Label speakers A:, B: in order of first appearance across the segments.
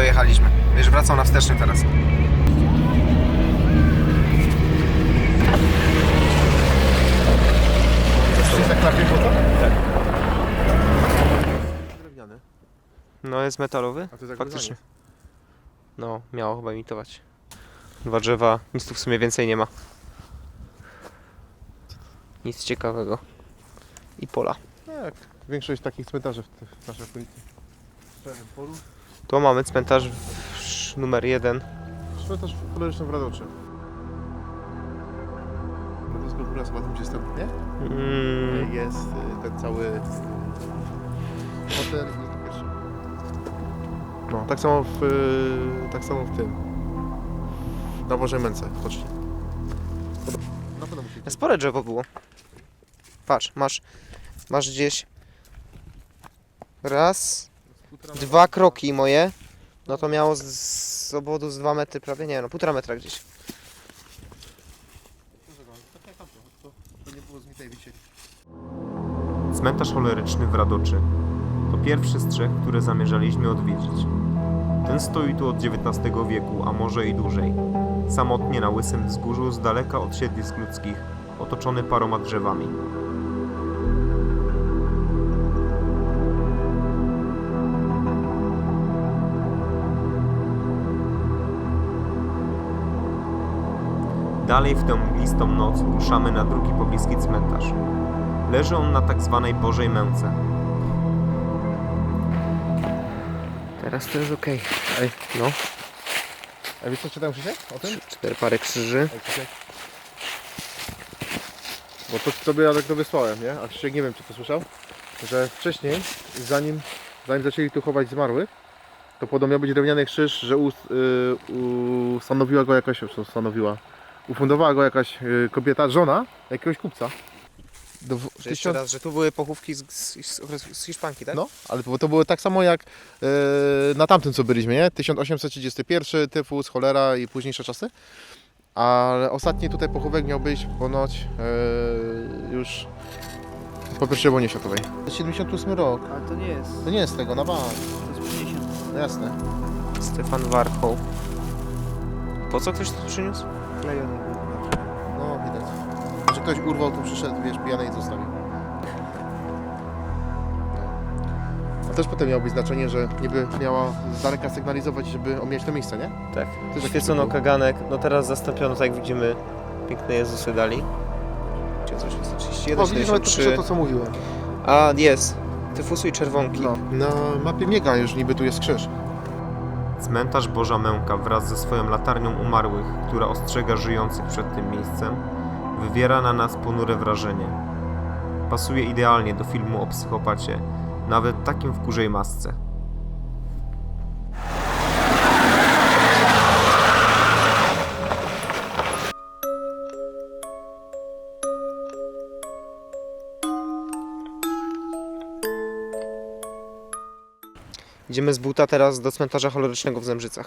A: dojechaliśmy. Wiesz, wracał na wsteczny teraz.
B: Tak.
A: No jest metalowy,
B: A to jest
A: faktycznie. No, miało chyba imitować. 2 drzewa, nic tu w sumie więcej nie ma. Nic ciekawego. I pola.
B: Tak, większość takich cmentarzy w naszej okolicy.
A: Tu mamy cmentarz numer 1.
B: Cmentarz koloryczny w Radoczy. Radoska góra, chyba tam gdzie jest ten, nie? Jest ten cały hotel i jest pierwszy. No, tak samo w tym. Na Bożej Męce, chodźcie. Na pewno musi być.
A: Spore drzewo było. Patrz, masz gdzieś raz, 2 kroki moje. No to miało z obwodu z 2 metry prawie, nie no, 1,5 metra gdzieś.
B: To nie było z mitej wisieli.
C: Cmentarz choleryczny w Radoczy to pierwszy z 3, które zamierzaliśmy odwiedzić. Ten stoi tu od XIX wieku, a może i dłużej. Samotnie na łysym wzgórzu, z daleka od siedlisk ludzkich, otoczony paroma drzewami. Dalej w tę mglistą noc ruszamy na drugi pobliski cmentarz. Leży on na tak zwanej Bożej Męce.
A: Teraz to jest okej.
B: Ej,
A: No,
B: a wiesz co czytałem, Krzysiek, o tym?
A: 4 parę krzyży.
B: Ej, Krzysiek. Bo to tobie ja tak to wysłałem, nie? A Krzysiek nie wiem, czy to słyszał, że wcześniej, zanim zaczęli tu chować zmarłych, to podobno miał być drewniany krzyż, że ustanowiła go jakaś, ufundowała go jakaś kobieta, żona jakiegoś kupca.
A: Że jeszcze raz, że tu były pochówki z Hiszpanki, tak?
B: No, ale to było tak samo jak na tamtym, co byliśmy, nie? 1831, tyfus, cholera i późniejsze czasy. Ale ostatni tutaj pochówek miał być ponoć już po I wojnie światowej. 78 rok.
D: Ale to nie jest.
B: To nie jest tego, na bank.
D: To jest 50.
B: No jasne.
A: Stefan Warchoł. Po co ktoś to przyniósł?
D: Klejony był.
B: No, widać. Że ktoś urwał, tu przyszedł, wiesz, pijany i zostawił. A też potem miało być znaczenie, że niby miała z daleka sygnalizować, żeby omijać to miejsce, nie?
A: Tak.
B: To jest
A: Świecono kaganek, no teraz zastąpiono, tak jak widzimy, piękne Jezusy dali. Gdzie coś jest? 31,
B: O, widzisz, nawet to
A: 73.
B: pisze to, co mówiłem.
A: A, jest. Tyfusy i czerwonki.
B: No. Na mapie miega już niby tu jest krzyż.
C: Cmentarz Boża Męka wraz ze swoją latarnią umarłych, która ostrzega żyjących przed tym miejscem, wywiera na nas ponure wrażenie. Pasuje idealnie do filmu o psychopacie, nawet takim w kurzej masce.
A: Idziemy z buta teraz do cmentarza cholerycznego w Zembrzycach.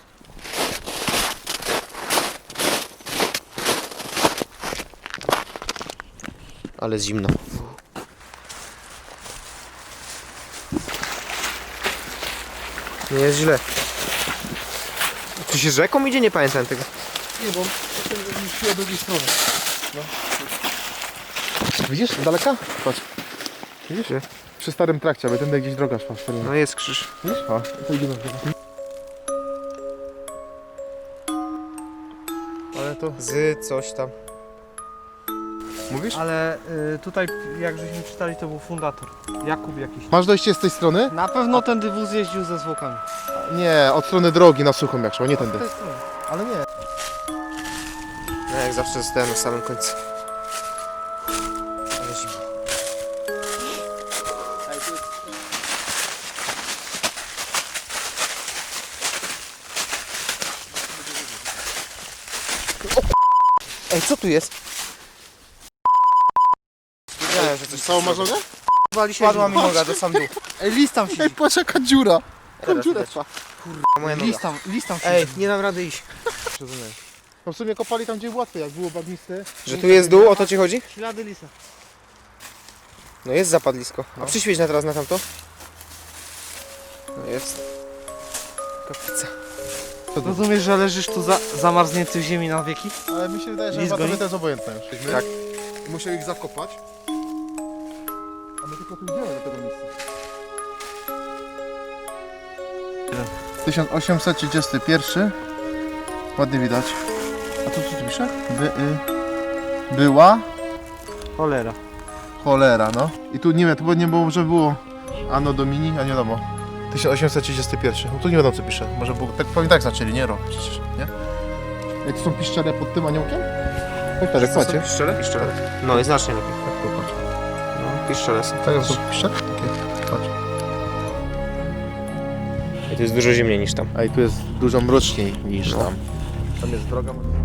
A: Ale zimno. Nie jest źle. Czy się rzeką idzie? Nie pamiętam tego.
B: Nie, bo szli od drugiej strony. No. Widzisz? Z daleka? Patrz. Widzisz?
A: Gdzie?
B: Przy starym trakcie, aby tędy gdzieś droga szła.
A: No jest krzyż.
B: Widzisz? O, to idziemy. Ale to...
A: Z coś tam.
B: Mówisz?
D: Ale tutaj, jak żeśmy czytali, to był fundator. Jakub jakiś.
B: Masz dojście z tej strony?
D: Na pewno ten dywóz jeździł ze zwłokami.
B: Nie, od strony drogi na suchą jak szło, nie tędy.
D: To jest to.
B: Ale nie.
A: No jak zawsze zostałem na samym końcu. Ale zimno. Ej, co tu jest? Wiedziałem, że coś
B: Całą masz nogę?
D: Padła mi noga do sam dół. Ej, list tam
B: Ej,
D: siedzi.
B: patrz jaka dziura. Taką
A: Teraz
B: dziurę
A: widać.
B: trwa.
A: moja noga.
D: List tam siedzi.
A: Ej, nie dam rady iść.
B: No w sumie kopali tam gdzie łatwiej, jak było bagniste.
A: Że tu jest dół, o to ci chodzi?
D: Ślady lisa.
A: No jest zapadlisko. A
B: No.
A: przyświeć na teraz na tamto. No jest. Kaplica.
D: Rozumiesz, że leżysz tu zamarznięty w ziemi na wieki?
B: Ale mi się wydaje, że
D: Nic
B: chyba
D: goni?
B: tobie to jest obojętne już.
A: Tak.
B: I musiał ich zakopać. A my tylko tu idziemy do tego miejsca. 1831. Ładnie widać. A to co tu pisze? Była
D: Cholera.
B: cholera, no. I tu nie wiem, tu nie było, że było Anno Domini, a nie wiadomo. 1831. No tu nie wiadomo co pisze. Może było, tak, pewnie tak zaczęli, nie rok przecież, nie? Jak to są piszczele pod tym aniołkiem? Chodź, tak, jak macie.
A: Piszczele? Piszczele. No i znacznie lepiej.
B: Tak, popatrz.
A: No, piszczele są.
B: Tak, to są piszczele? Takie, patrz.
A: I to jest dużo zimniej niż tam.
B: A i tu jest dużo mroczniej niż
A: No.
B: tam. Tam jest droga.